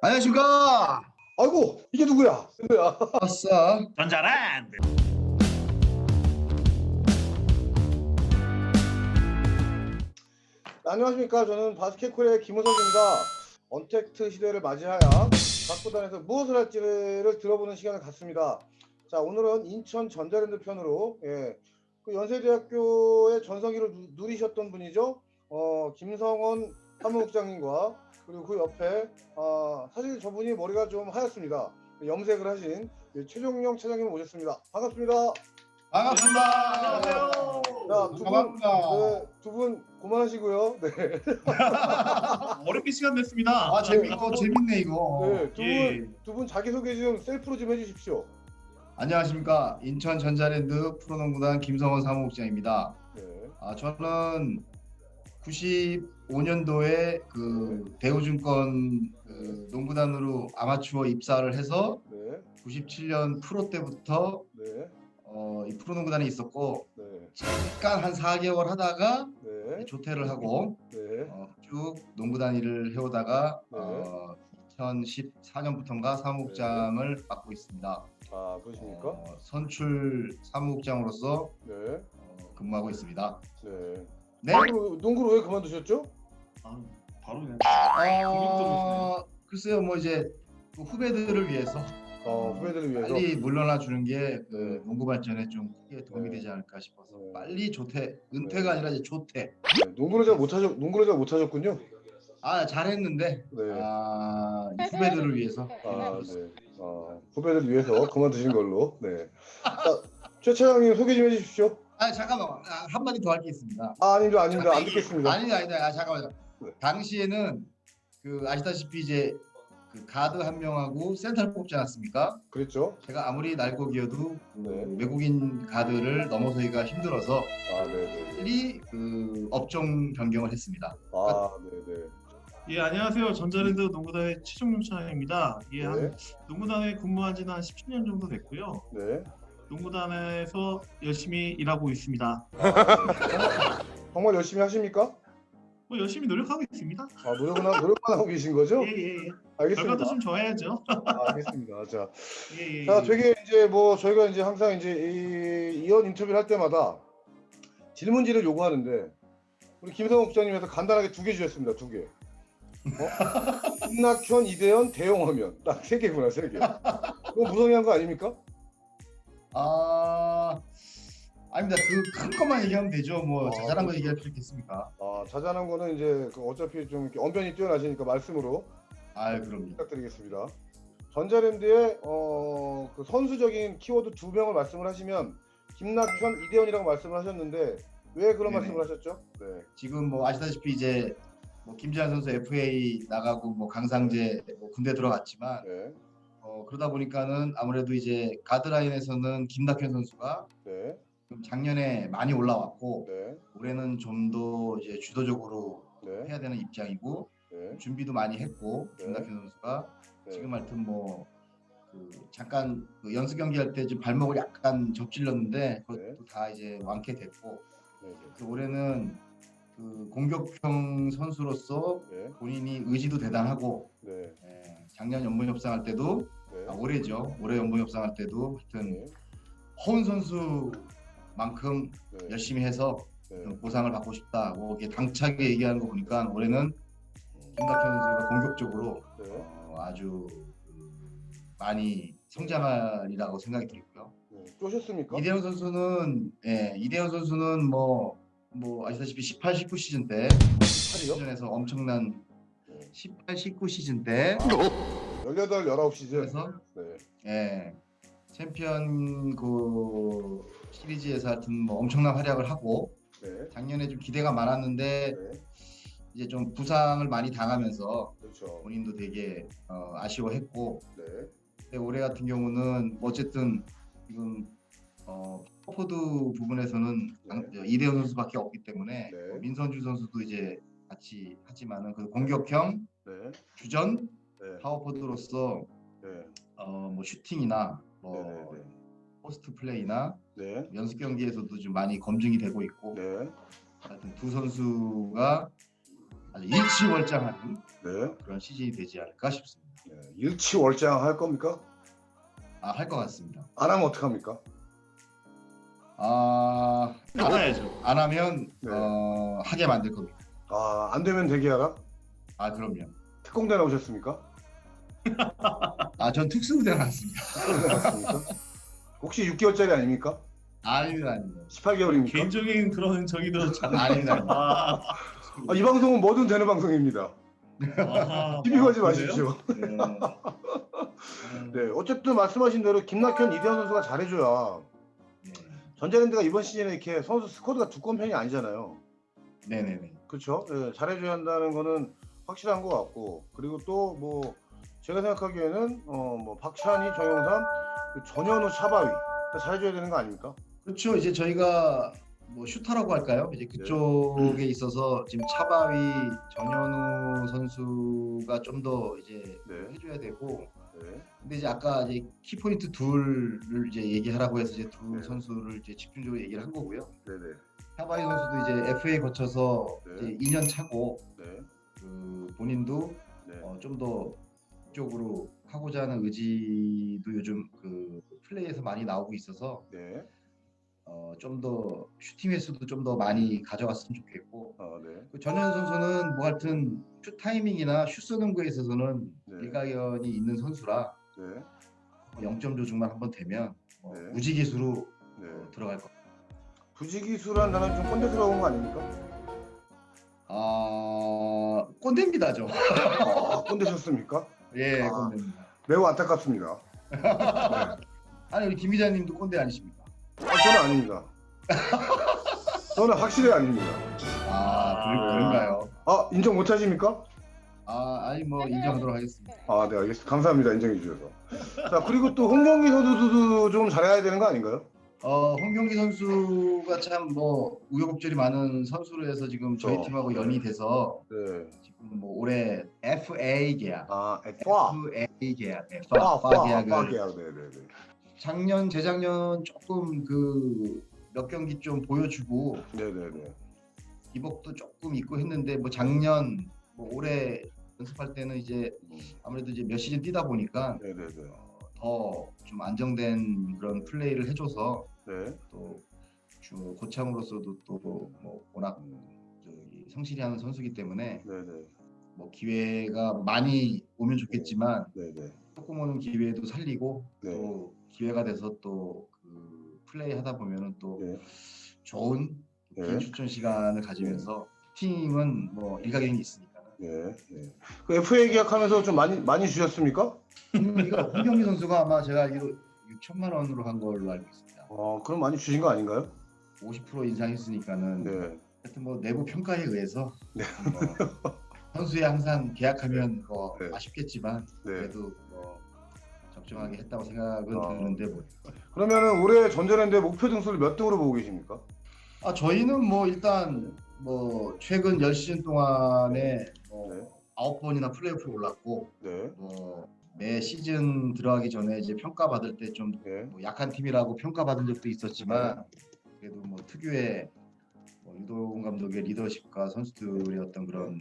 안녕하십니까. 아이고 이게 누구야? 누구야? 아싸. 전자랜드. 안녕하십니까? 저는 바스켓콜의 김호석입니다. 언택트 시대를 맞이하여 각 구단에서 무엇을 할지를 들어보는 시간을 갖습니다. 자, 오늘은 인천 전자랜드 편으로 그 연세대학교의 전성기를 누리셨던 분이죠. 김성원 사무국장님과 그리고 그 옆에 사실 저분이 머리가 좀 하얗습니다. 염색을 하신 최종영 차장님 모셨습니다. 반갑습니다. 반갑습니다. 안녕하세요. 자, 반갑습니다. 두 분 고만하시고요. 네. 어렵게 시간 냈습니다. 재밌네 이거. 네, 두 분 자기소개 좀 셀프로 좀 해주십시오. 안녕하십니까. 인천 전자랜드 프로농구단 김성원 사무국장입니다. 네. 저는 95년도에 그 대우증권 그 농구단으로 아마추어 입사를 해서 네. 97년 프로 때부터 네. 이 프로농구단에 있었고 네. 잠깐 한 4개월 하다가 네. 조퇴를 하고 네. 쭉 농구단 일을 해오다가 네. 2014년부터인가 사무국장을 맡고 있습니다. 아, 그러십니까? 선출 사무국장으로서 네. 근무하고 있습니다. 네. 네. 농구를 왜 그만두셨죠? 바로 그냥. 글쎄요, 뭐 이제 그 후배들을 위해서 후배들을 위해서. 빨리 물러나 주는 게 그 네. 농구 발전에 좀 크게 도움이 네. 되지 않을까 싶어서 네. 빨리 조퇴, 은퇴가 네. 아니라 이제 조퇴. 네. 농구를 잘 못하셨군요. 잘했는데 네. 이 후배들을 위해서. 네. 후배들을 위해서 그만두신 걸로. 네. 자, 최 차장님 소개 좀 해주십시오. 잠깐만, 한마디 더 할 게 있습니다. 아닙니다. 안 듣겠습니다. 아니다. 잠깐만요. 네. 당시에는 그 아시다시피 이제 그 가드 한 명하고 센터를 뽑지 않았습니까? 그랬죠? 제가 아무리 날고기여도 네. 외국인 가드를 넘어서기가 힘들어서 네네. 빨리 그 업종 변경을 했습니다. 네네. 예, 안녕하세요. 전자랜드 농구단의 최종용 차장입니다. 예, 네. 한 농구단에 근무한 지는 한 17년 정도 됐고요. 네. 농구단에서 열심히 일하고 있습니다. 정말 열심히 하십니까? 뭐 열심히 노력하고 있습니다. 노력만 하고 계신 거죠? 예. 알겠습니다. 결과도 좀 좋아야죠. 알겠습니다. 자, 예. 되게 이제 뭐 저희가 이제 항상 이제 이런 인터뷰를 할 때마다 질문지를 요구하는데 우리 김성욱 국장님께서 간단하게 2개 주셨습니다. 2개. 김낙현, 이대현, 대용하면 딱 3개구나, 3개. 그거 무성의한 거 아닙니까? 아닙니다. 그 큰 것만 얘기하면 되죠. 뭐 자잘한 거 얘기할 필요 있겠습니까? 자잘한 거는 이제 어차피 좀 이렇게 언변이 뛰어나시니까 말씀으로 그럼요. 부탁드리겠습니다. 전자랜드의 그 선수적인 키워드 2명을 말씀을 하시면 김낙현, 이대현이라고 말씀을 하셨는데 왜 그런 네네. 말씀을 하셨죠? 네. 지금 뭐 아시다시피 이제 뭐 김지한 선수 FA 나가고 뭐 강상재 뭐 군대 들어갔지만 네. 그러다 보니까는 아무래도 이제 가드라인에서는 김낙현 선수가 네. 작년에 많이 올라왔고 네. 올해는 좀 더 이제 주도적으로 네. 해야 되는 입장이고 네. 준비도 많이 했고 네. 김낙현 선수가 네. 지금 하여튼 뭐 그 잠깐 그 연습 경기할 때 좀 발목을 약간 접질렀는데 그것도 네. 다 이제 완쾌됐고 네. 그 올해는 그 공격형 선수로서 네. 본인이 의지도 대단하고 네. 작년 연봉 협상할 때도 네. 올해죠. 올해 연봉 협상할 때도 하여튼 네. 허운 선수만큼 네. 열심히 해서 네. 좀 보상을 받고 싶다. 뭐 이렇게 당차게 얘기하는 거 보니까 올해는 김낙현 선수가 공격적으로 네. 아주 많이 성장하리라고 생각이 들고요. 쪼셨습니까? 이대현 선수는 뭐 아시다시피 18, 19 시즌 때 8이요? 시즌에서 엄청난 18, 19 시즌 때 18, 19시즌. 그래서 네. 챔피언 그 시리즈에서 하여튼 뭐 엄청난 활약을 하고 네. 작년에 좀 기대가 많았는데 네. 이제 좀 부상을 많이 당하면서 그렇죠. 본인도 되게 아쉬워했고 네. 근데 올해 같은 경우는 어쨌든 지금 포워드 부분에서는 이대현 선수밖에 없기 때문에 네. 민선주 선수도 이제 같이 하지만은 그 공격형 네. 주전 네. 파워포드로서 네. 뭐 슈팅이나 네. 포스트 플레이나 네. 연습 경기에서도 좀 많이 검증이 되고 있고 네. 하여튼 두 선수가 아주 일치월장하는 네. 그런 시즌이 되지 않을까 싶습니다. 일치월장 할 겁니까? 할 것 같습니다. 안 하면 어떡합니까? 알아야죠. 안 하면 네. 하게 만들 겁니다. 안 되면 대기하라? 그럼요. 특공대 나오셨습니까? 전 특수부대 나왔습니다. 특공대 나왔습니까? 혹시 6개월짜리 아닙니까? 아닙니다. 18개월입니까? 개인적인 그런 정의도 잘 아닙니다. 이 방송은 뭐든 되는 방송입니다. 시비 걸지 마십시오. 네, 어쨌든 말씀하신 대로 김낙현, 이대현 선수가 잘해줘야 전자랜드가 이번 시즌에 이렇게 선수 스쿼드가 두꺼운 편이 아니잖아요. 네네네. 그렇죠? 네, 잘해줘야 한다는 거는 확실한 것 같고, 그리고 또 뭐 제가 생각하기에는 뭐 박찬희, 정용삼, 전현우, 차바위 잘해줘야 되는 거 아닙니까? 그렇죠. 이제 저희가 뭐 슈터라고 할까요? 이제 그쪽에 있어서 지금 차바위, 전현우 선수가 좀 더 이제 네. 해줘야 되고, 네. 근데 이제 아까 이제 키포인트 둘을 이제 얘기하라고 해서 이제 두 네. 선수를 이제 집중적으로 얘기를 한 거고요. 네네. 차바위 선수도 이제 FA 거쳐서 네. 이제 2년 차고 네. 그 본인도 네. 좀 더 이쪽으로 하고자 하는 의지도 요즘 그 플레이에서 많이 나오고 있어서 네. 좀 더 슈팅 횟수도 좀 더 많이 가져갔으면 좋겠고, 네. 그 전현 선수는 뭐 하여튼 슛 타이밍이나 슛 쏘는 거에 있어서는 네. 일가견이 있는 선수라 네. 0점 조중만 한번 되면 네. 무지기수로 네. 들어갈 겁니다. 부지기수란 단어는 좀 꼰대스러운 거 아닙니까? 꼰대입니다, 저. 꼰대셨습니까? 예, 아. 꼰대입니다. 매우 안타깝습니다. 아니 우리 김 기자님도 꼰대 아니십니까? 저는 아닙니다. 저는 확실히 아닙니다. 그런가요? 인정 못 하십니까? 아니 뭐 인정하도록 하겠습니다. 네, 알겠습니다. 감사합니다. 인정해 주셔서. 자, 그리고 또 홍경기 선수도 좀 잘해야 되는 거 아닌가요? 홍경기 선수가 참 뭐 우여곡절이 많은 선수로 해서 지금 저희 그렇죠. 팀하고 연이 돼서 네. 지금 뭐 올해 FA 계약, FA 계약, 계약을 계약. 네네네. 작년, 재작년 조금 그 몇 경기 좀 보여주고 네네네. 기복도 조금 있고 했는데 뭐 작년, 뭐 올해 연습할 때는 이제 아무래도 이제 몇 시즌 뛰다 보니까 네네네. 더 좀 안정된 그런 플레이를 해줘서 네. 또 고참으로서도 또 뭐 워낙 성실히 하는 선수기 때문에 네네. 뭐 기회가 많이 오면 좋겠지만 네네. 조금 오는 기회도 살리고 네. 또 기회가 돼서 또 그 플레이 하다 보면은 또 네. 좋은 긴 네. 출전 시간을 가지면서 팀은 뭐 일가견이 있으니까. 네. 네. 그 FA 계약하면서 좀 많이 주셨습니까? 홍경기 선수가 아마 제가 알기로 6천만 원으로 한 걸로 알고 있습니다. 그럼 많이 주신 거 아닌가요? 50% 인상했으니까는 네. 하여튼 뭐 내부 평가에 의해서 네. 뭐 선수에 항상 계약하면 뭐 네. 아쉽겠지만 네. 그래도 뭐 적정하게 했다고 생각은 드는데 뭐. 그러면은 올해 전자랜드의 목표 등수를 몇 등으로 보고 계십니까? 저희는 뭐 일단 뭐 최근 10시즌 동안에 뭐 네. 9번이나 플레이오프를 올랐고 네. 뭐 매 시즌 들어가기 전에 이제 평가받을 때 좀 네. 뭐 약한 팀이라고 평가받은 적도 있었지만 그래도 뭐 특유의 뭐 유도훈 감독의 리더십과 선수들의 어떤 그런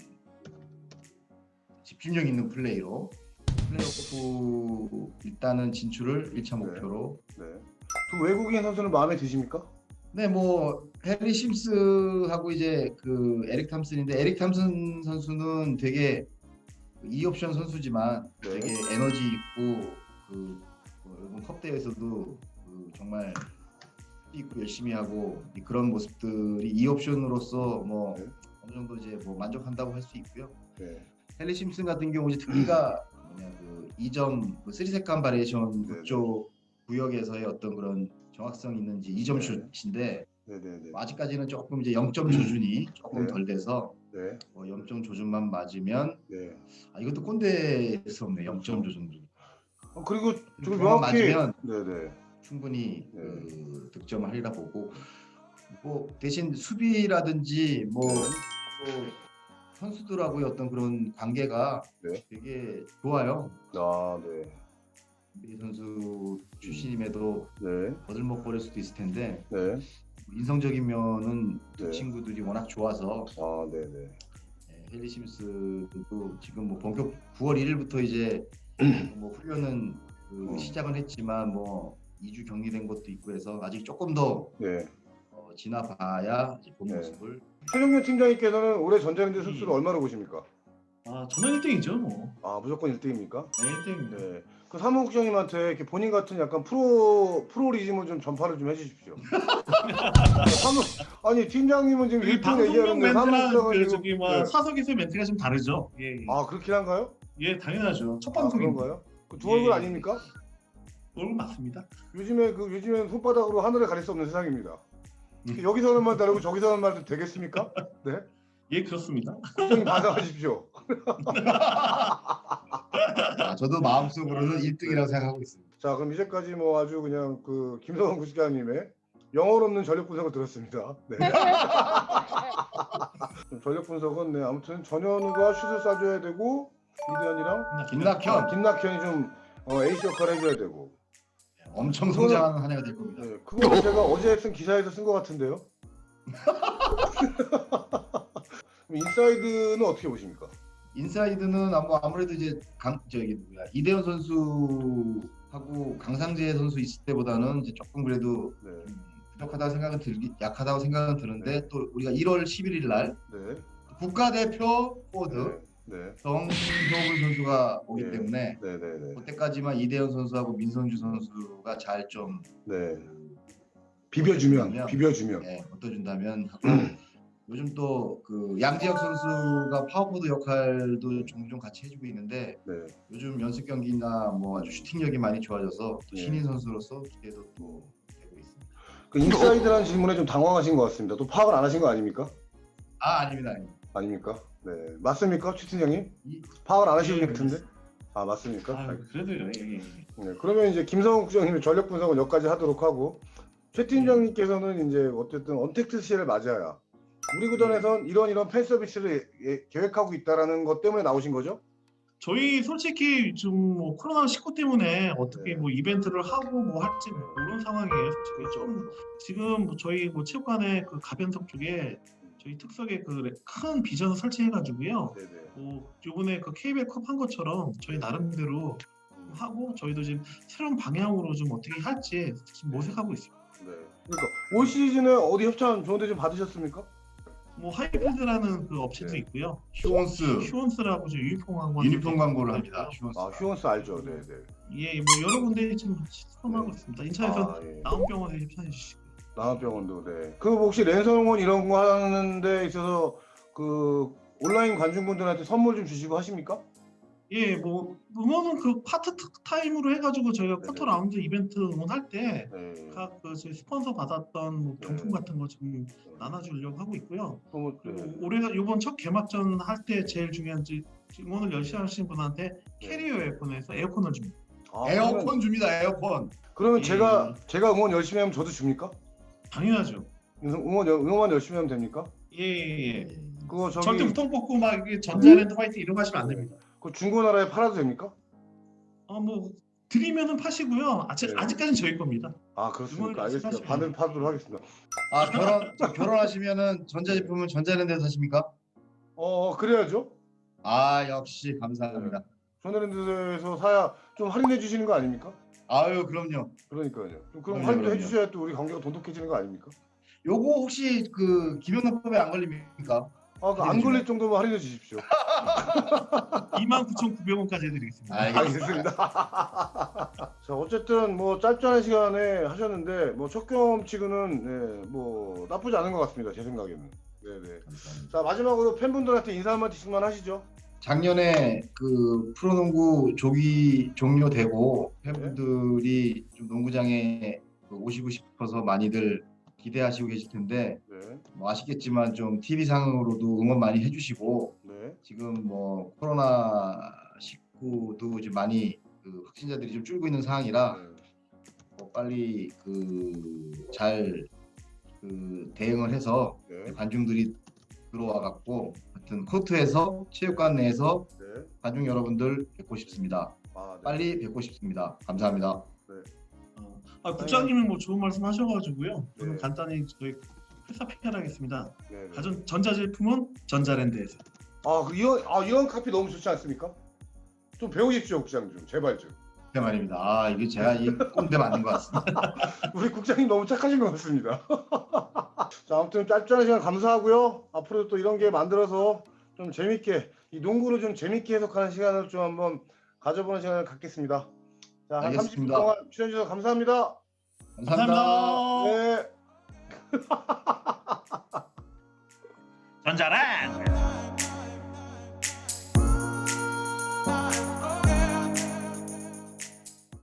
집중력 있는 플레이로 플레이오프 일단은 진출을 1차 목표로. 네. 그 외국인 선수는 마음에 드십니까? 네, 뭐 해리 심스하고 이제 그 에릭 탐슨인데 에릭 탐슨 선수는 되게 2옵션 선수지만 네. 되게 에너지 있고 뭐 이번 컵 대회에서도 정말 있고 열심히 하고 그런 모습들이 2옵션으로서 뭐 네. 어느 정도 이제 뭐 만족한다고 할 수 있고요. 네. 헨리 심슨 같은 경우 이제 특기가 뭐냐 그 2점 3세컨 바리에이션 네. 그쪽 구역에서의 어떤 그런 정확성 있는지 2점 네. 슛인데 네네네. 아직까지는 조금 이제 0점 조준이 조금 네. 덜 돼서 네. 뭐 0점 조준만 맞으면 네. 이것도 꼰대스럽네. 0점 조준도 그리고 좀 그것만 명확히 맞으면 네네. 충분히 네. 그 득점을 하리라 보고 뭐 대신 수비라든지 뭐 네. 또 선수들하고의 어떤 그런 관계가 네. 되게 좋아요. 네. 이 선수 출신임에도 네. 거들먹거릴 수도 있을 텐데 네. 인성적인 면은 두 네. 친구들이 워낙 좋아서 네네. 헨리 심스도 지금 뭐 본격 9월 1일부터 이제 뭐 훈련은 시작은 했지만 뭐 2주 격리된 것도 있고 해서 아직 조금 더 네. 지나봐야 이제 본 네. 모습을. 최종현 팀장님께서는 올해 전자랜드 승수를 얼마나 보십니까? 저는 1등이죠 뭐. 아 무조건 1등입니까? 네, 1등입니다. 네. 그 사무국장님한테 이렇게 본인 같은 약간 프로리즘을 좀 전파를 좀 해주십시오. 아니 팀장님은 지금 1등 방송용 얘기하는데 멘트랑 사무국장은 그 지금 저기 뭐 네. 사석에서의 멘트가 좀 다르죠. 예, 예. 아 그렇긴 한가요? 예, 당연하죠. 첫 아 방송인데. 그런가요? 그 두 얼굴 예. 아닙니까? 얼굴 맞습니다. 요즘엔 손바닥으로 하늘을 가릴 수 없는 세상입니다. 여기서는 말 다르고 저기서는 말 되겠습니까? 네. 예, 그렇습니다. 국장님 반성하십시오. 저도 마음속으로는 1등이라고 생각하고 있습니다. 자 그럼 이제까지 뭐 아주 그냥 그 김성원 국장님의 영혼 없는 전력 분석을 들었습니다. 네. 전력 분석은 네 아무튼 전현우가 슛을 쏴줘야 되고 이대현이랑 김낙현이 좀 에이스 역할을 해줘야 되고 엄청 성장하는 한 해가 될 겁니다. 네, 그거 제가 어제 쓴 기사에서 쓴 것 같은데요. 그럼 인사이드는 어떻게 보십니까? 인사이드는 아무래도 이제 이대현 선수하고 강상재 선수 있을 때보다는 이제 조금 그래도 네. 약하다고 생각은 드는데 또 우리가 1월 11일 날 네. 국가대표 포워드 네. 정효근 선수가 오기 네. 때문에 네. 그때까지만 이대현 선수하고 민선주 선수가 잘 좀 네. 비벼주면 얻어준다면 하고 요즘 또 그 양지혁 선수가 파워포드 역할도 종종 같이 해주고 있는데 네. 요즘 연습 경기나 뭐 아주 슈팅력이 많이 좋아져서 또 네. 신인 선수로서 기대도 또 되고 있습니다. 그 인사이드라는 질문에 좀 당황하신 것 같습니다. 또 파악을 안 하신 거 아닙니까? 아닙니다. 아닙니까? 네. 맞습니까? 최 팀장님? 파악을 안 하시는 것 같은데? 아 맞습니까? 그래도요. 예. 네. 그러면 이제 김성훈 국장님의 전력 분석은 여기까지 하도록 하고 최 팀장님께서는 이제 어쨌든 언택트 시대를 맞아야 우리 구단에선 이런 팬 서비스를 계획하고 있다라는 것 때문에 나오신 거죠? 저희 솔직히 지금 뭐 코로나19 때문에 어떻게 네. 뭐 이벤트를 하고 뭐 할지 모르는 상황이에요. 솔직히 좀 지금 뭐 저희 뭐 체육관의 그 가변석 쪽에 저희 특석에 그 큰 비전을 설치해가지고요. 네네. 뭐 이번에 그 KBL컵 한 것처럼 저희 나름대로 하고 저희도 지금 새로운 방향으로 좀 어떻게 할지 지금 모색하고 있습니다. 네. 그러니까 올 시즌에 어디 협찬 좋은데 좀 받으셨습니까? 뭐 하이패드라는 그 업체도 네. 있고요. 휴원스라고 저 유니폼 광고를 합니다. 휴원스. 아 휴원스 알죠. 네네. 예, 뭐 여러 군데 지금 시도하고 있습니다. 인천에서 예. 나온병원에 협찬해 주시고. 남한병원도 네. 그 혹시 랜선응원 이런 거 하는 데 있어서 그 온라인 관중분들한테 선물 좀 주시고 하십니까? 예, 뭐 응원은 그 파트 타임으로 해가지고 저희가 네네. 쿼터 라운드 이벤트 응원할 때 네. 각 그 저희 스폰서 받았던 뭐 경품 네. 같은 거 좀 나눠주려고 하고 있고요. 선물 그리고 네. 올해가 이번 첫 개막전 할 때 제일 중요한 응원을 열심히 하신 분한테 캐리어 에어컨에서 에어컨을 줍니다. 아, 에어컨 줍니다. 에어컨. 그러면 예. 제가 응원 열심히 하면 저도 줍니까? 당연하죠. 응원만 열심히 하면 됩니까? 예. 그거 저기 절대 우통 뽑고 막 이게 전자랜드 화이트 이런 거 하시면 안 됩니다. 그 중고나라에 팔아도 됩니까? 뭐 드리면은 파시고요. 네. 아직까지는 저희 겁니다. 아 그렇습니까? 응원을 알겠습니다. 말씀하시면 받도록 하겠습니다. 결혼하시면은 전자제품은 전자랜드에서 사십니까? 그래야죠. 역시 감사합니다. 전자랜드에서 사야 좀 할인해 주시는 거 아닙니까? 아유 그럼요. 그러니까요. 그럼 그럼요, 할인도 그럼요. 해주셔야 또 우리 관계가 돈독해지는 거 아닙니까? 요거 혹시 그 김영란법에 안 걸립니까? 안 걸릴 정도면 할인해 주십시오. 29,900원까지 해드리겠습니다. 알겠습니다. 자 어쨌든 뭐 짧지 않은 시간에 하셨는데 뭐 첫 경험치고는 뭐 나쁘지 않은 것 같습니다. 제 생각에는. 네네. 자 마지막으로 팬분들한테 인사 한마디씩만 하시죠. 작년에 그 프로농구 조기 종료되고 팬분들이 좀 농구장에 오시고 싶어서 많이들 기대하시고 계실 텐데 네. 뭐 아시겠지만 좀 TV 상으로도 응원 많이 해주시고 네. 지금 뭐 코로나 19도 이제 많이 그 확진자들이 좀 줄고 있는 상황이라 뭐 빨리 잘 대응을 해서 네. 관중들이 들어와 갖고 하여튼 코트에서 체육관 내에서 네. 관중 여러분들 뵙고 싶습니다. 네. 빨리 뵙고 싶습니다. 감사합니다. 국장님이 뭐 좋은 말씀 하셔가지고요. 저는 네. 간단히 저희 회사 PR하겠습니다. 네. 전자제품은 전자랜드에서. 이런 카피 너무 좋지 않습니까? 좀 배우십시오, 국장 좀 제발 좀. 네 말입니다. 아 이게 제가 이 꼰대 맞는 것 같습니다. 우리 국장님 너무 착하신 것 같습니다. 자, 아무튼 짧잖은 시간 감사하고요. 앞으로 또 이런 게 만들어서 좀 재밌게 이 농구를 좀 재밌게 해석하는 시간을 좀 한번 가져보는 시간을 갖겠습니다. 자, 한 30분 알겠습니다. 동안 출연해 주셔서 감사합니다. 감사합니다. 감사합니다. 네. 전자란.